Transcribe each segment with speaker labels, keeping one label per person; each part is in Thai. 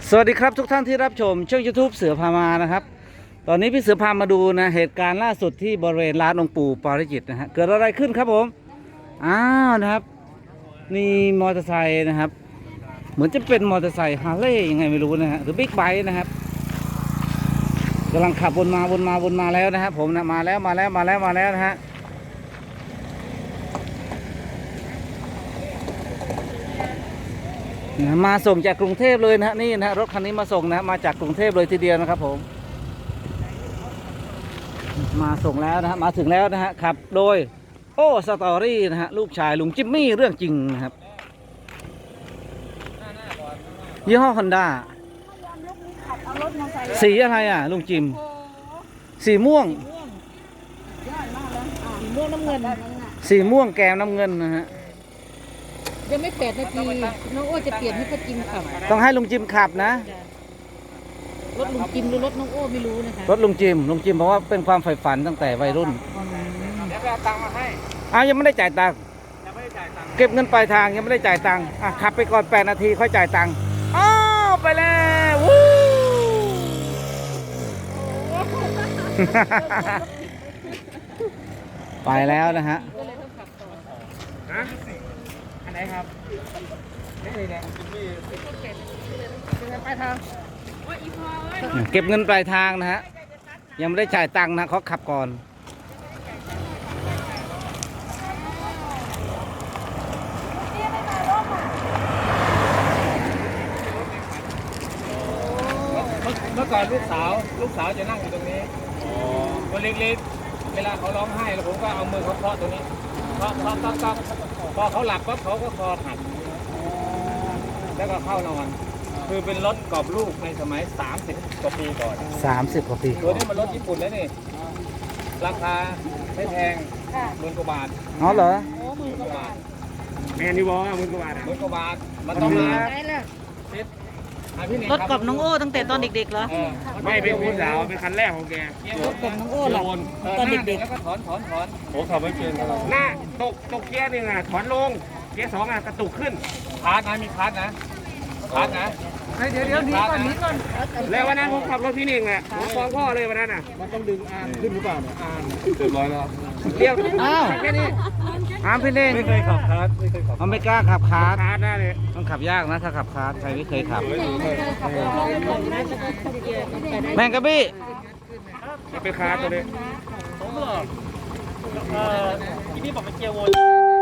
Speaker 1: สวัสดีครับทุกท่านที่รับชมช่อง YouTube เสือพามานะครับตอนนี้พี่เสือพามาดูนะเหตุการณ์ล่าสุดที่บริเวณร้านองค์ปู่ปาริจิตนะฮะเกิดอะไรขึ้นครับผมนะครับนี่มอเตอร์ไซค์นะครับเหมือนจะเป็นมอเตอร์ไซค์ฮาร์เลย์ยังไงไม่รู้นะฮะหรือบิ๊กไบค์นะครับกำลังขับวนมาแล้วนะครับผมนะมาแล้วนะฮะมาส่งจากกรุงเทพเลยนะฮะนี่นะรถคันนี้มาส่งนะมาจากกรุงเทพเลยทีเดียวนะครับผมมาส่งแล้วนะฮะมาถึงแล้วนะฮะขับโดยโอ้สตอรี่นะฮะลูกชายลุงจิมมี่เรื่องจริงนะครับยี่ห้อฮอนด้าสีอะไรอ่ะลุงจิมสีม่วง
Speaker 2: สีม่วงน้ำเงิน
Speaker 1: สีม่วงแกมน้ำเงินนะฮะ
Speaker 2: ยังไม่8 นาทีน้องโอ้จะเปลี่ยนให้ป้าจิมขับ
Speaker 1: ต้องให้ลุงจิมขับนะ
Speaker 2: รถลุงจิมหรือรถน้องโอ้ไม่รู้นะคะ
Speaker 1: รถลุงจิมเพราะว่าเป็นความใฝ่ฝันตั้งแต่วัยรุ่น
Speaker 3: เดี๋ยวไปเอาตังค์มาให้
Speaker 1: ยังไม่ได้จ่ายตังค์เก็บเงินปลายทางยังไม่ได้จ่ายตังค์ขับไปก่อน8 นาทีค่อยจ่ายตังค์ไปแล้ววู้ไปแล้วนะฮะ
Speaker 3: อันไหนครับนี่เลยเนี่ยไปทาง
Speaker 1: เก็บเงินปลายทางนะฮะยังไม่ได้จ่ายตังค์นะเขาขับก่อน
Speaker 3: เมื่อก่อนลูกสาวจะนั่งอยู่ตรงนี้ตัวเล็กๆเวลาเขาร้องไห้แล้วผมก็เอามือเขาเคาะตรงนี้เคาะพอเขาหลับปั๊บเขาก็คอหักแล้วก็เข้านอนคือเป็นรถกรอบลูกในสมัย30 กว่าปีก่อน
Speaker 1: 30 กว่าปี
Speaker 3: ตัวนี้มันรถญี่ปุ่นแล้วนี่ราคาไม่แพง10,000 กว่าบาท
Speaker 1: เหรอ
Speaker 3: 10,000 กว่าบาท
Speaker 4: แมนนี่บอกว่า10,000 กว่าบาท
Speaker 3: 10,000 กว่าบาทมันต้องม
Speaker 2: ารถกับน้องโอ้ตั้งแต่ตอนเด็กๆเหรอ
Speaker 4: ไม่เป็นพี่สาวเป็นคันแรกของแก
Speaker 2: รถกับน้องโอ้หรอตอนเด็กๆ
Speaker 3: แล้วก็ถอน
Speaker 4: ผมขับไม่เป็นหน้าตกเกียร์หนึ่งถอนลงเกียร์2กระตุกขึ้น
Speaker 3: คาร์ดนะมีคาร์ดนะ
Speaker 2: เดี๋ยวนี้ก่อน
Speaker 4: แล้ววันนั้นผมขับรถพี่หนึ่งผมฟ้องพ่อเลยวันนั้น
Speaker 3: มันต้องดึงขึ้นหรือเปล่าเนี่ยเรียบร้อยแล้ว
Speaker 4: เรียบแค่นี้
Speaker 1: พี่เน่ง
Speaker 3: ไม่เคยขับคาร์ด
Speaker 1: ไม่กล้าขับคาร์ด
Speaker 4: หน้าเลย
Speaker 1: ต้องขับยากนะถ้าขับคาร์ดใครไม่เคยขับแมงกะบี้
Speaker 4: เป็นคาร์ดตัวนี้
Speaker 3: ผมเหรอที่นี่บอกเป็นเกียร์วน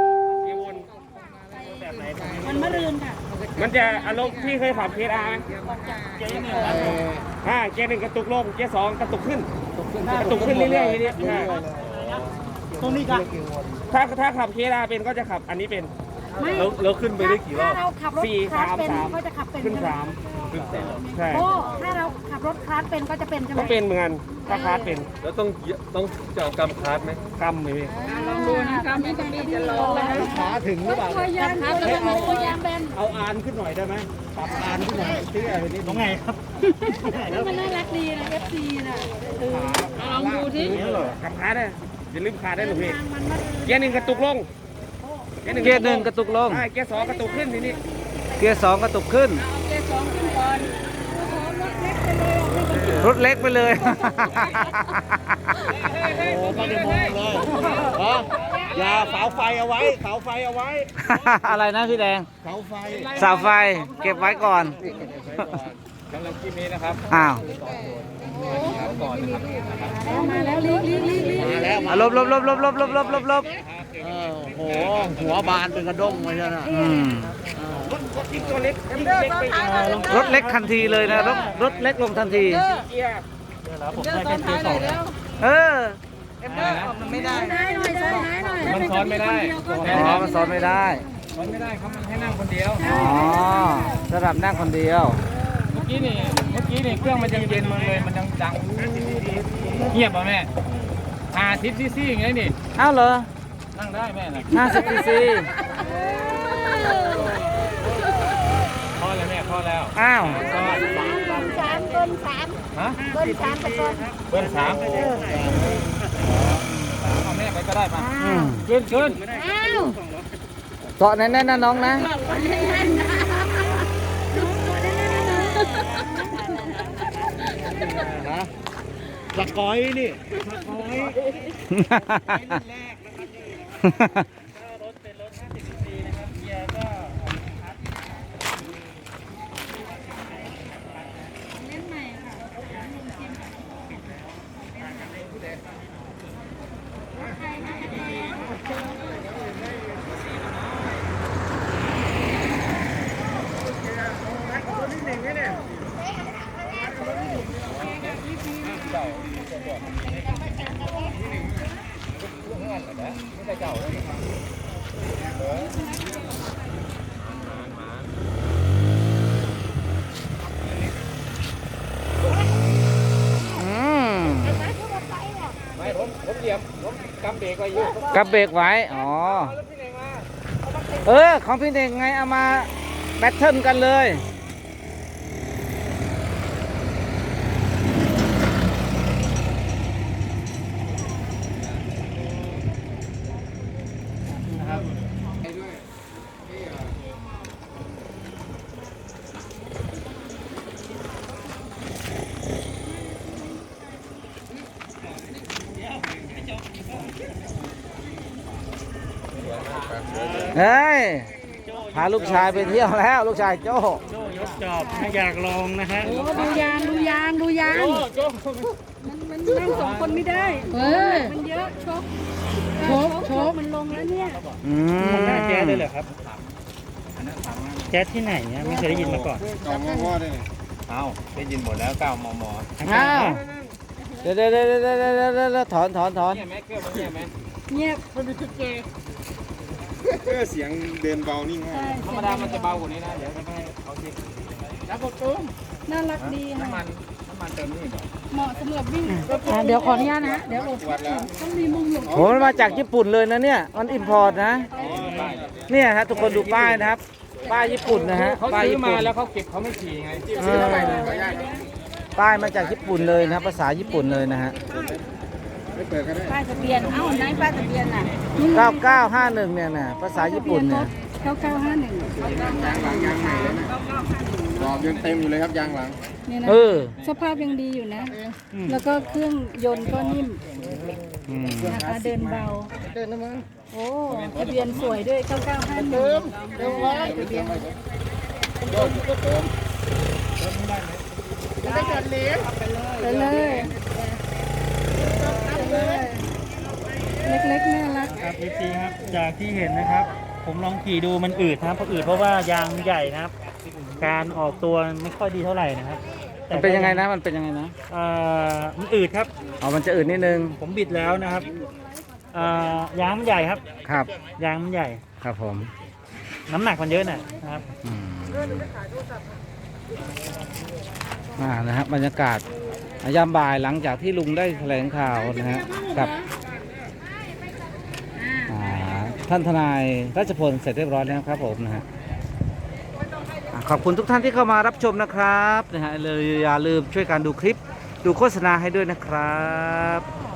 Speaker 3: แบบไหน
Speaker 2: มันมะรืนค่ะ
Speaker 4: มันจะอารมณ์ที่เคยขับเกียร์อาร์
Speaker 3: เกียร์1
Speaker 4: เกียร์1กระตุกลงเกียร์2กระตุกขึ้นเรื่อยๆ
Speaker 3: ตรงนี้กัน
Speaker 4: ถ้าขับเกียร์อาร์เป็นก็จะขับอันนี้เป็น
Speaker 3: แล้วขึ้นไปได้กี่รอบ
Speaker 2: ถ้าเราขับรถคลาสเป็นก็จะขับเป็น
Speaker 4: ขึ้น3ใช่
Speaker 2: ถ้าเราขับรถคลาสเป็นก็จะเป็นใช่ไหม
Speaker 4: ก็เป็นเหมือนกันถ้าคลาสเป็น
Speaker 3: แล้วต้องจะเอากำคาร์ดไหม
Speaker 4: กำไหมพี่
Speaker 2: ลองดูนะกำไม่ต้องจะลองเลย
Speaker 4: ขาถึงหรือเปล่า
Speaker 2: ตัวยางแบน
Speaker 4: เอาอานขึ้นหน่อยได้ไหมปรับอานขึ้นหน่อยที่อะไรนี้
Speaker 3: ตรงไหนครับ
Speaker 2: มันน่ารักดีนะ FC น่ะลองดูที่
Speaker 4: ขับคลาสได้อย่าลืมคลาสได้หรือพี่เกียร์1กระตุกลง
Speaker 1: เกียร์1กระตุกลง
Speaker 4: เกียร์2กระตุกขึ้นทีนี้
Speaker 1: เกียร์2กระตุกขึ้น
Speaker 2: เกียร์2ขึ้นก่อน
Speaker 1: รถเล็กไปเลย
Speaker 4: โอ้ไม่ได้มองเลยอย่าเสาไฟเอาไว้
Speaker 1: อะไรนะพี่แดง
Speaker 4: เสา
Speaker 1: ไฟเก็บไว้ก่อน
Speaker 3: สำหรับคลิปนี้นะครับ
Speaker 2: ก่อนนะครับมาแล้วลี
Speaker 1: ลบ
Speaker 4: โอ้โหหัวบานเป็นกระด้งเลยนะรถตัวเล็ก
Speaker 1: รถเล็กทันทีเลยนะรถเล็กลงทันที
Speaker 3: ผมได้แค่เกียร์2
Speaker 2: มันไม่ได้
Speaker 3: มันซ้อนไม่ได้
Speaker 1: มันซ้อนไม่ได้
Speaker 3: ครับมันให้นั่งคนเดียว
Speaker 1: สำหรับนั่งคนเดียว
Speaker 3: เมื่อกี้นี่เครื่องมันยังเย็นมาเลยมันยังดังเงียบป่ะแม่50 ซีซีอย่างนี้นี่
Speaker 1: เหรอ
Speaker 3: นั่งได้แม่นะ
Speaker 1: 50 ซีซี
Speaker 3: พอแล้วแม่พอแล้ว
Speaker 2: เบิ้ล 3
Speaker 3: ฮะ
Speaker 2: เบิ้ล 3กับ
Speaker 3: เบิ้ล 3เอาแม่ไปก็ได้ป่ะขึ้น
Speaker 1: เกาะแน่นๆนะน้องนะ
Speaker 4: สกอยนี่สกอย
Speaker 3: รถเป็นรถ50 cc นะครับเกียร์ก็
Speaker 2: เล่นใหม่ค่ะลุงชิม
Speaker 1: อืม
Speaker 3: ไม่ผมเหยียบผมกำเบรกไว้อยู่
Speaker 1: กับเบรกไว้ อ๋อ ของพี่เน่งไงเอามาแบทเทิลกันเลย เฮ้ย พาลูกชายไปเที่ยวแล้ว ลูกชายโจ้
Speaker 3: โจ้ยกจอบถ้าอยากลองนะฮะ
Speaker 2: โอ้ดูยางดูยางดูยาง
Speaker 3: โจ้
Speaker 2: มันนั่งสองคนไม่ได้มันเยอะชกมันลงแล้วเนี่ย
Speaker 1: อื
Speaker 3: มันน่าแจ๊สเลยเหร
Speaker 1: ม
Speaker 3: อครับ แจ๊สที่ไหนเนี่ยไม่เคยได้ยินมาก่อน เอาได้ยินหมดแล้ว9 มม.
Speaker 1: อ้าวเดี๋ยวถอน
Speaker 3: เนี่ยแม็กเกอร์มันเนี่ยไหม
Speaker 2: เงียบ
Speaker 4: เสียงเดินเบานิ่งมาก
Speaker 2: ใช่
Speaker 3: ธรรมดามันจะเบากว่านี้นะ เดี๋ยวจะให้เขาคิดแล้วกดตุ้ม
Speaker 2: น่ารักดีค่ะ
Speaker 3: น้ำมันเติมนี่เหรอ
Speaker 2: เหมาะสำหรับวิ่งเดี๋ยวขออนุญาตนะเดี๋ยวหลบต้องมีมุมหลบ
Speaker 1: โหมันมาจากญี่ปุ่นเลยนะเนี่ย มันอิมพอร์ตนะ เนี่ยฮะทุกคนดูป้ายนะครับ ป้ายญี่ปุ่นนะฮะ
Speaker 3: เขา
Speaker 1: ป้าย
Speaker 3: ซื้อ
Speaker 1: ญี่
Speaker 3: มา
Speaker 1: ปุ่น
Speaker 3: แล้วเขาเก็บเขาไม่ขี่ไง
Speaker 1: ป้ายมาจากญี่ปุ่นเลยนะภาษาญี่ปุ่นเลยนะฮะ
Speaker 2: ป้ายทะเบียนเอ้าไหนป้ายทะเบียนน่ะ
Speaker 1: 9951เนี่ยนะภาษาญี่ปุ่นเนี่ย
Speaker 2: 9951
Speaker 4: ดอกยังเต็มอยู่เลยครับยางหลัง
Speaker 2: เนี่ยนะ
Speaker 1: เออ
Speaker 2: สภาพยังดีอยู่นะ แล้วก็เครื่องยนต์ก็นิ่ม
Speaker 1: อืม
Speaker 2: นะคะเดินเบาโอ้ทะเบียนสวยด้วย9951เดิมไว้ทะเบียนไปเลยเล็กๆน่ารัก
Speaker 3: ครับพี่ซีครับ จากที่เห็นนะครับ ผมลองขี่ดูมันอืดนะครับเพราะอืดเพราะว่ายางใหญ่นะครับ การออกตัวไม่ค่อยดีเท่าไหร่นะครับ
Speaker 1: มันเป็นยังไงนะ มันเป็นยังไงนะ
Speaker 3: มันอืดครับ
Speaker 1: อ๋อ มันจะอื่นนิดนึง
Speaker 3: ผมบิดแล้วนะครับยางมันใหญ่ครับ
Speaker 1: ครับ
Speaker 3: ยางมันใหญ่
Speaker 1: ครับผม
Speaker 3: น้ำหนักมันเยอะนะครับ
Speaker 1: อืมนะฮะบรรยากาศยามบ่ายหลังจากที่ลุงได้แถลงข่าวนะฮะกับท่านทนายรัชพลเสร็จเรียบร้อยแล้วครับผมนะฮะขอบคุณทุกท่านที่เข้ามารับชมนะครับนะฮะเลยอย่าลืมช่วยกันดูคลิปดูโฆษณาให้ด้วยนะครับ